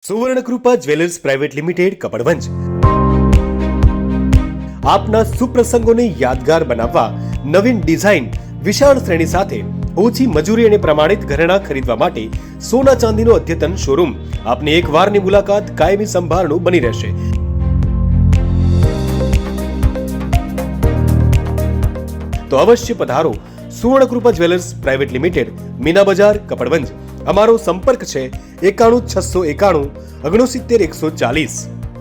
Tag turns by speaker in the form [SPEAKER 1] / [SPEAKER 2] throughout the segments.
[SPEAKER 1] સુવર્ણકૃપા jewellers private limited Kapadvanj આપના સુપ્રસંગોને યાદગાર બનાવવા નવીન ડિઝાઇન વિશાળ શ્રેણી સાથે ઓછી મજૂરી અને પ્રમાણિત ઘરેણાં ખરીદવા માટે સોના ચાંદીનો અદ્યતન શોરૂમ આપની એક વારની મુલાકાત કાયમી સંભાળનું બની રહેશે। તો અવશ્ય પધારો Suvarnakrupa jewellers private limited, Meena Bazaar, Kapadvanj. અમારો સંપર્ક છે 91 691 69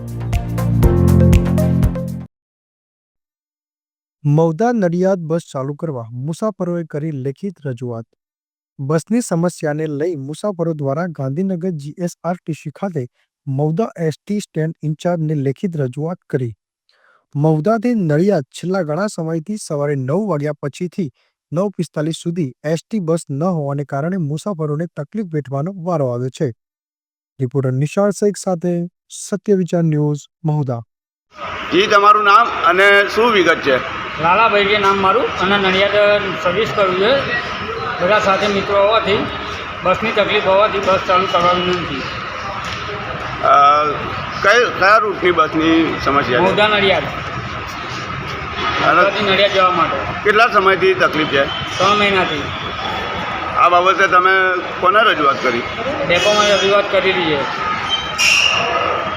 [SPEAKER 1] 140।
[SPEAKER 2] મૌદા નડિયાદ બસ ચાલુ કરવા મુસાફરોએ કરી લેખિત રજૂઆત। બસની સમસ્યાને લઈ મુસાફરો દ્વારા ગાંધીનગર જીએસઆરટીસી ખાતે મૌદા એસટી સ્ટેન્ડ ઇન્ચાર્જને લેખિત રજૂઆત કરી। મૌદાથી નડિયાદ છેલ્લા ઘણા સમયથી સવારે 9 વાગ્યા પછીથી 9:45 સુધી એસટી બસ ન હોવાને કારણે મુસાફરોને તકલીફ વેઠવાનો વારો આવ્યો છે। રિપોર્ટર નિશાળ શેખ સાથે સત્ય વિચાર ન્યૂઝ, મહુધા।
[SPEAKER 3] જી, તમારું નામ અને શું વિગત છે?
[SPEAKER 4] લાલાભાઈ છે નામ મારું, અને નડિયાદ સર્વિસ કરવું છે। બધા સાથે મિત્રો હોવાથી બસની તકલીફ હોવાથી બસ ચાલુ કરવાની નથી।
[SPEAKER 3] કયા રૂટની બસની સમસ્યા છે?
[SPEAKER 4] મૌદા નડિયાદ, મૌદાથી નડિયાદ જવા માટે।
[SPEAKER 3] કેટલા સમયથી તકલીફ છે?
[SPEAKER 4] 3 મહિનાથી।
[SPEAKER 3] આ બાબતે તમે કોને રજૂઆત કરી?
[SPEAKER 4] ડેપોમાં રજૂઆત કરેલી છે।